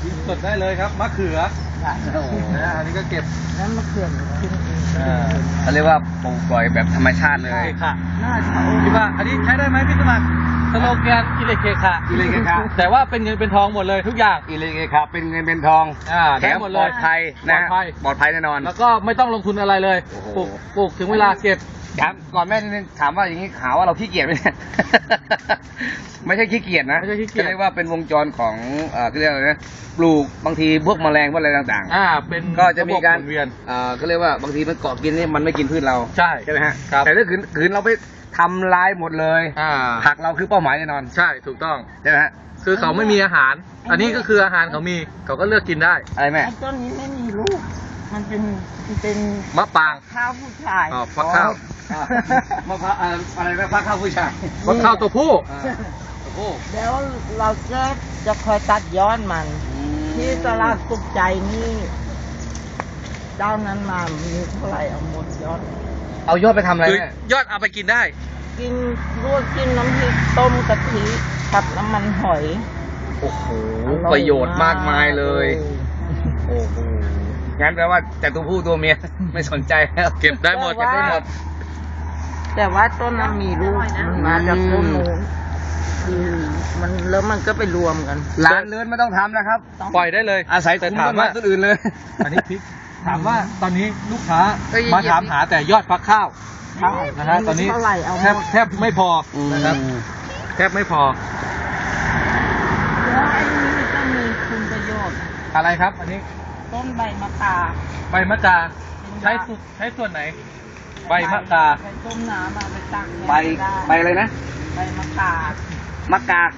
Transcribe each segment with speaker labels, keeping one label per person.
Speaker 1: กินสดได้เลยครับมะเขืออันนี้ก็เก็บ
Speaker 2: แล้วมะเขือกินเอง
Speaker 3: เขาเรียกว่าปลูกปล่อยแบบธรรมชาติเลย
Speaker 1: เคค่ะ
Speaker 2: น่าจะ
Speaker 1: คิดว่าอันนี้ใช้ได้ไหมพี่สมัครสโลแกนอิเล็กเคค่ะแต่ว่าเป็นเงินเป็นทองหมดเลยทุกอย่าง
Speaker 3: อิเล็กเคค่ะเป็นเงินเป็นทองแถมปลอดภัยนะปลอดภัยแน่นอน
Speaker 1: แล้วก็ไม่ต้องลงทุนอะไรเลยปลูกถึงเวลาเก็บ
Speaker 3: ถามก่อนแม่นิดนึงถามว่าอย่างนี้ข่าวว่าเราขี้เกียจไหมเนี่ยไม่ใช่ขี้เกียจนะเรียกว่าเป็นวงจรของเขาเรียกอะไรนะปลูกบางทีพวกแมลงพวกอะไรต่าง
Speaker 1: ๆเป็น
Speaker 3: ก็จะมีการ
Speaker 1: เวียน
Speaker 3: เขาเรียกว่าบางทีมันเกาะกินนี่มันไม่กินพืชเรา
Speaker 1: ใช่
Speaker 3: ไหมฮะแต่ถ้าขืนเราไปทำลายหมดเลยผักเราคือเป้าหมายแน่นอน
Speaker 1: ใช่ถูกต้อง
Speaker 3: ใช่ไหมฮะ
Speaker 1: คือเขาไม่มีอาหารอันนี้ก็คืออาหารเขามีเขาก็เลือกกินได้
Speaker 3: อะไรแม่
Speaker 2: ต้นนี้ไม่มีลูกมันเป็น
Speaker 1: มะปาง
Speaker 2: ข้าวผู้ชาย
Speaker 1: ฟักข้าว
Speaker 3: มะพร้าวอะไรนะฟักข้าวผู้ชาย
Speaker 1: ฟักข้าวตัวผู้
Speaker 2: แล้วเราจะคอยตัดย้อนมันที่ตลาดสุขใจนี่เจ้านั้นมามีเท่าไหร่เอาหมดยอด
Speaker 3: เอายอดไปทำอะไร
Speaker 1: ยอดเอาไปกินได้
Speaker 2: กินลวกกินน้ำพริกต้มกะทิผัดน้ำมันหอย
Speaker 3: โอ้โหประโยชน์มากมายเลยโอ้โหงั้นแปลว่าแต่ตัวผู้ตัวเมียไม่สนใจแล้ว
Speaker 1: เก็บได้หมด
Speaker 2: แต่ว่าต้นนั้นมีลูกมาจากต้นนู้นมันแล้วมันก็ไปรวมกัน
Speaker 3: ร้านเลื้อนไม่ต้องทำนะครับ
Speaker 1: ปล่อยได้เลย
Speaker 3: อาศัยคุ้มต้นไม้ต้นอื่นเลย
Speaker 1: อันนี้พริกถามว่าตอนนี้ลูกค้ามาถามหาแต่ยอดฟักข้าวนะฮะตอนนี้แทบไม่พอนะครับแทบไม่พอ
Speaker 2: แล้วไอ้นี้ก็มีคุณประโยชน์
Speaker 1: อะไรครับอันนี้
Speaker 2: ต้นใบมะกา
Speaker 1: ใบมะกาใช้ส่วนไหนใบมะกา
Speaker 2: ไปต้มน้ำมาไปตัก
Speaker 3: ใบอะไรนะ
Speaker 2: ใบมะกาม
Speaker 3: ะกา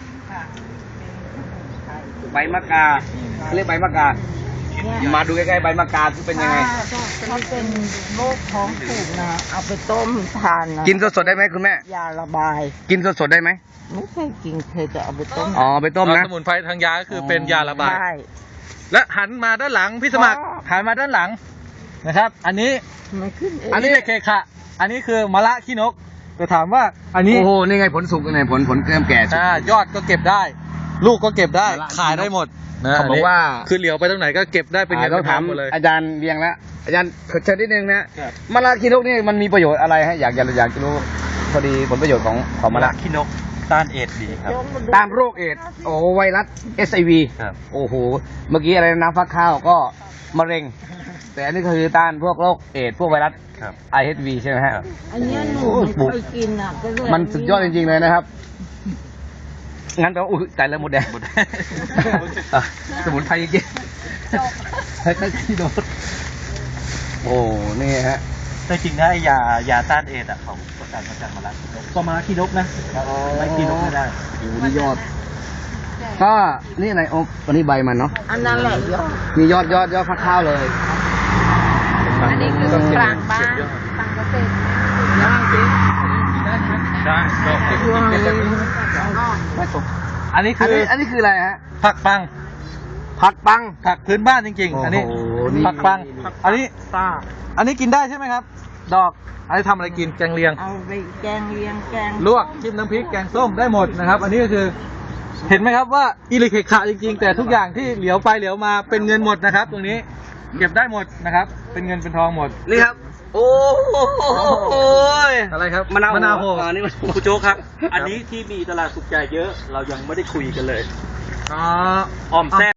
Speaker 3: ใบมะกาเรียกใบมะกามาดูใกล้ๆใบมะกาเป็นยังไง
Speaker 2: ถ้าเป็นโรคท้องผูกนะเอาไปต้มทานนะ
Speaker 3: กินสดๆได้ไหมคุณแม่
Speaker 2: ยาระบาย
Speaker 3: กินสดๆได้ไหม
Speaker 2: ไม่เคยกินเคยจะเอาไปต้ม
Speaker 3: ไปต้มนะ
Speaker 1: สมุนไพรทางยาก็คือเป็นยาระบายและหันมาด้านหลังพี่สมัครหันมาด้านหลังนะครับอันนี้เคค่ะอันนี้คือมะระขี้นกจะถามว่าอันนี้
Speaker 3: โอ้โหนี่ไงผลสุกนี่ผลเริ่มแก่
Speaker 1: ยอดก็เก็บได้ลูกก็เก็บได้ขายได้หมดนะ
Speaker 3: เขาบอกว่า
Speaker 1: คือเหลียวไปตรงไหนก็เก็บได้เป็นเงิน
Speaker 3: ต้องถามอาจารย์เรียงแล้วอาจารย์เชิญนิดนึงนะมะระขี้นกนี่มันมีประโยชน์อะไรฮะอยากจะรู้พอดีผลประโยชน์ของมะระ
Speaker 1: ขี้นกต้านเอดส์ดีครับ
Speaker 3: ต้านโรคเอดส์ไวรัส SIV โอ้โหเมื่อกี้อะไรน้ำฟักข้าวก็มะเร็งแต่อันนี้คือต้านพวกโรคเอดส์พวกไวรัสIHV ใช่ไหมฮะ
Speaker 2: อันนี้หนูไม่เคยกินอ่ะก็เลย
Speaker 3: มันสุดยอดจริงๆเลยนะครับงั้นก็ใจแล้วหมดแดงสมุนไพรจริงๆให้ที่โดนโอ้นี่ฮะ
Speaker 1: แต่จริงนะยาต้านเอดส์ของประกันมาจากมะระก็มะระขี้นกนะไม่ขี้นกไม่ได้
Speaker 3: โอ้นี่ยอดก็นี่อะไรวันนี้ใบมันเนาะ
Speaker 2: อันนั้นแหละยอด
Speaker 3: มียอดฟักข้าวเลย
Speaker 2: อันนี้คือกลางบ้านกลางเกษตร
Speaker 1: ย่างสิได้อันนี้
Speaker 3: คืออะไรฮะ
Speaker 1: ผักปังผักพื้นบ้านจริงๆอันนี้ผักปังอันนี้กินได้ใช่ไหมครับดอกอันนี้ทำอะไรกินแกงเลียง
Speaker 2: เอาไปแกงเลียงแกง
Speaker 1: ลวกจิ้มน้ำพริกแกงส้มได้หมดนะครับอันนี้ก็คือเห็นไหมครับว่าอิเล็กเคค่ะจริงๆแต่ทุกอย่างที่เหลียวไปเหลียวมาเป็นเงินหมดนะครับตรงนี้เก็บได้หมดนะครับเป็นเงินเป็นทองหมด
Speaker 3: นี่ครับโอ้ย
Speaker 1: อะไรครับ
Speaker 3: มะนาวโห
Speaker 1: นี่คุณโจ๊กครับอันนี้ที่มีตลาดสุขใจเยอะเรายังไม่ได้คุยกันเลยออมแซ่